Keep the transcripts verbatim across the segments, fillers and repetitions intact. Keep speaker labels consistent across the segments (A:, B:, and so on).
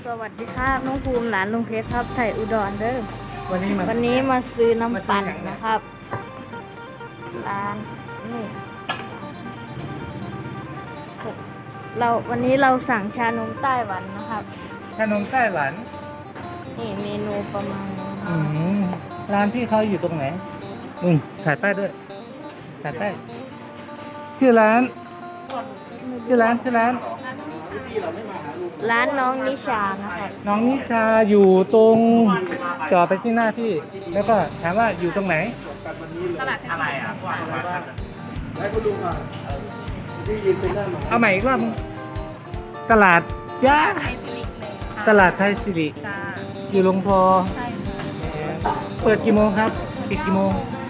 A: สวัสดีครับน้องภูมิหลานลุงเพชรครับไทยอุดรเด้อ
B: วันนี้มา
A: วันนี้มาซื้อน้ำปั่น
B: มาซื้ออย่างไร
A: นะครับร้านนี่เราวันนี้เราสั่งชานมไต้หวันนะครับ
B: ขนมไต้หวัน
A: นี่เมนูประมาณนี้
B: อืมร้านที่เขาอยู่ตรงไหนอืมถ่ายป้ายด้วยถ่ายป้ายชื่อร้านชื่อร้านชื่อร้าน
A: ร้านน้องนิชานะครับ
B: น้องนิชาอยู่ตรงจอดไปที่หน้าพี่ แล้วก็ถามว่าอยู่ตรงไหน
A: ตลาดอะไรอ่ะ
B: เอาใหม่อีกรอบตลาดย่า
A: ไทยสิริเลยค่ะ
B: ตลาดไทยสิริ
A: จ้า
B: อยู่ลงพอ
A: ใช่
B: เปิดกี่โมงครับ ปิดกี่โมง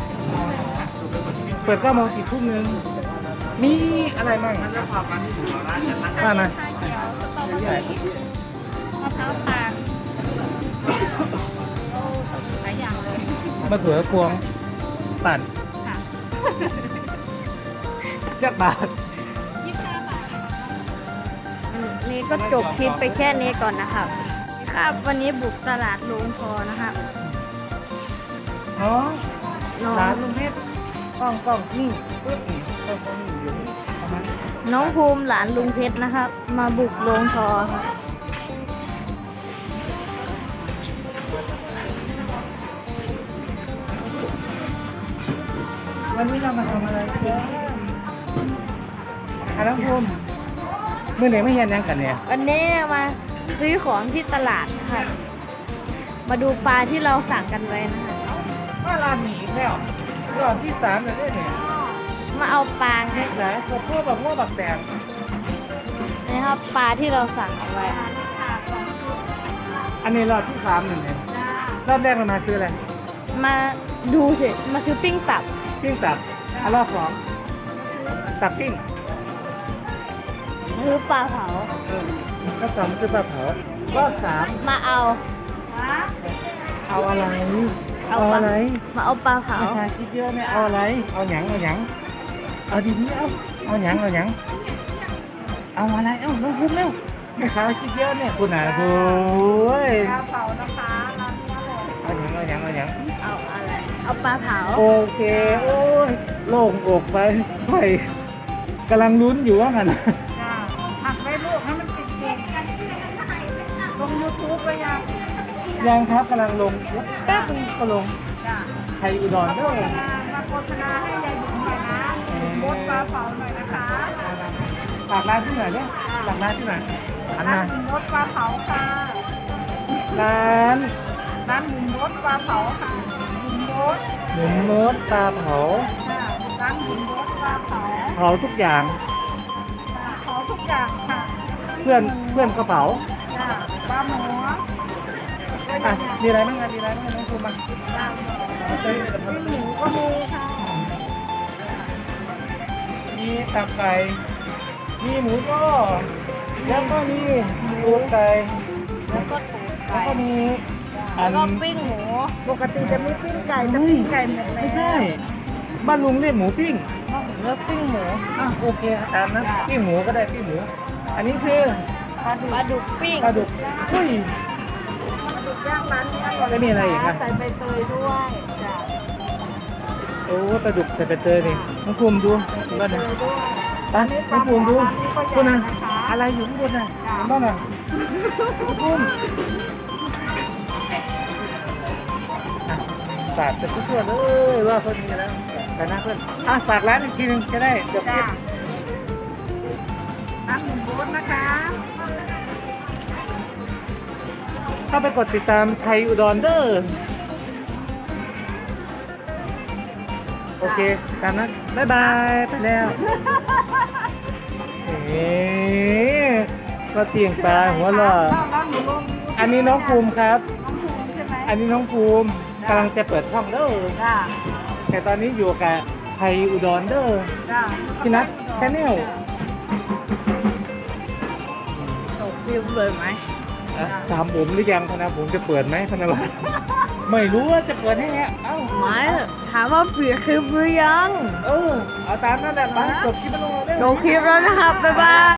B: เปิดเก้าโมงปิดทุ่มหนึงมีอะไรบ้างว่ามา
A: ชาเขียวสตรอเบอรี่มะพร้าวตาลโอ้หลายอย่างเลย
B: มะเขือพวงปั่น
A: ค่ะ
B: จักบาท
A: ยี่สิบห้าบาทนี่ก็จบคลิปไปแค่นี้ก่อนนะครับครับวันนี้บุกตลาดโรงพอนะครับ
B: น้อง
A: น้อง
B: ร้านลุงเพชรกล้องกล้องนี่ปึ๊บนี่กล้องกล้องนี่อยู่นี่ประมาณนี้
A: น้องภูมิหลานลุงเพชรนะครับ มาบุกโรงพอครับ
B: วันนี้เรามาทำอะไรกันอ่ะน้องภูมิเมื่อไหร่ไม่เห็นยังกันเนี่ย
A: วันนี้มาซื้อของที่ตลาดนะครับ มาดูปลาที่เราสั่งกันไว้นะครับ
B: ว่าร้านหนีอีกแล้วรอบที่สามเลยเนี่ย
A: มาเอาปลาไง
B: ไหนกบพวกแบบพวกแบบแดง
A: นะครับปลาที่เราสั่งเอาไว้
B: อันนี้รอบที่สามหนึ่งเนี่ยรอบแรกเรามาซื้ออะไร
A: มาดูสิมาซื้อปิ้งตับ
B: ปิ้งตับอ่ะรอบสองตับปิ้ง
A: หรือปลาเผา
B: เออรอบสองคือปลาเผารอบสาม
A: มาเอา
B: เอาอะไร
A: เอา
B: เอา
A: ปลา
B: อะไร
A: มาเอาปลาเผา
B: ราคาคิดเยอะเนี่ยเอาอะไร เอาหยังเอาหยังเอาดีนี้เอาเอาหยังเอาหยังเอาอะไรเอ้าน้องพุ่มเร็วแม่ค้าคิดเยอะเนี่ยคุณอ่ะโอ้ย
A: ปลาเผานะคะร้านนี้อร่อย
B: เอาหยังเอาหยังเอาหยัง
A: เอาอะไรเอาปลาเผา
B: โอเคโอ้ยโล่งอกไปไปกำลังลุ้นอยู่ว่างั้น
A: ผักไว้ลูกให้มันติดเด็กลงยูทูบไปยัง
B: ยังครับกำลังลงแป๊บนึงก็ลง
A: จ้า
B: ไทยอุดรเด้อ
A: มาโฆษณาให้ยายบุ๋มหน่อยนะโพสต์ปลาเผาหน่อยนะคะ
B: ฝากร้านที่ไหนเนี่ยฝากร้านที่ไหนอัน
A: ร้า
B: มาน
A: หมูมดปลาเผาค่ะ
B: ร้าน
A: ร้านหมูมดปลาเผาค่ะหมูมด
B: หมูโน้ตปลาเผา
A: ค่ะร้านหมูมดปลาเผา
B: เผาทุกอย่าง
A: ค่ะเผาทุกอย่างค่ะ
B: เพื่อนเพื่อนก็เผา
A: จ้าปลาหมู
B: อ่ะมีอะไรบ้างอ่ะมีอะไรบ้างน้องคุณมา
A: มีหมูก็มีค่ะ
B: มีตับไก่มีหมูย่อแล้วก็มีหมูไก่
A: แล้วก็ถูก
B: แล้ว
A: ไก่
B: ก็มีอั
A: แล้ว
B: น
A: ก็ปิ้งหมู ปกติจะมีปิ้งไก่แต่ปิ้งไก่หมดแล้ว
B: ไม่ใช่บ้านลุงเรียกหมูปิ้ง
A: เลือกปิ้งหมู
B: อ่ะโอเคตามนะปิ้งหมูก็ได้ปิ้งหมู อันนี้คือ
A: ปลาดุกปลาดุกปิ้ง
B: ปลาดุกอุ้ย
A: ดุกย่างร้านนี้อร่อย
B: แล้วมีอะไรอีกอ่ะ
A: ใส่ใบเตยด้วยจ้ะ
B: โอ้ปลาดุกใส่ใบเตยนี่น้องภูมิดูเห็นบ้าน
A: เต
B: นะ
A: ยด้วย
B: ไปน้องภูมิดูคุณนะอะไรอยู่ข้างบนน่ะเห็นบ้างน่ะน้องภูมิอ่ะฝากจะทั่วๆเลยว่าเพิ่นมีแล้วแต่นะเพื่อนอ่ะฝากร้านอีกทีหนึงจะได้จบคลิ
A: จ้ะ
B: ป
A: ร้านหมูโบ๊ทนะคะ
B: เข้าไปกดติดตามไทยอุดรเด้อโอเคตามนั้นบ๊ายบายไปแล้วเอ๊ะก็เตียงปลาหัวเราะ
A: ร้านหมูลง
B: อันนี้น้องภูมิครับ
A: น้องภูมิใช่ไหม
B: อันนี้น้องภูมิกำลังจะเปิดช่องเด้อ
A: จ้า
B: แต่ตอนนี้อยู่กับไทยอุดรเด้อ
A: จ้า
B: พี่นัทแชนแนล
A: ตกวิวเลยไหม
B: ถามผมหรือยังพนะผมจะเปิดไหมพนะวะไม่รู้ว่าจะเปิดให้ไงเอ้า
A: ไม่ถามว่าเปลี่ยนคลิปหรือยัง
B: เออเอาตามนั่นแหละไปจบคลิปไปลงเลย
A: ลงคลิปแล้วนะครับ บ๊ายบาย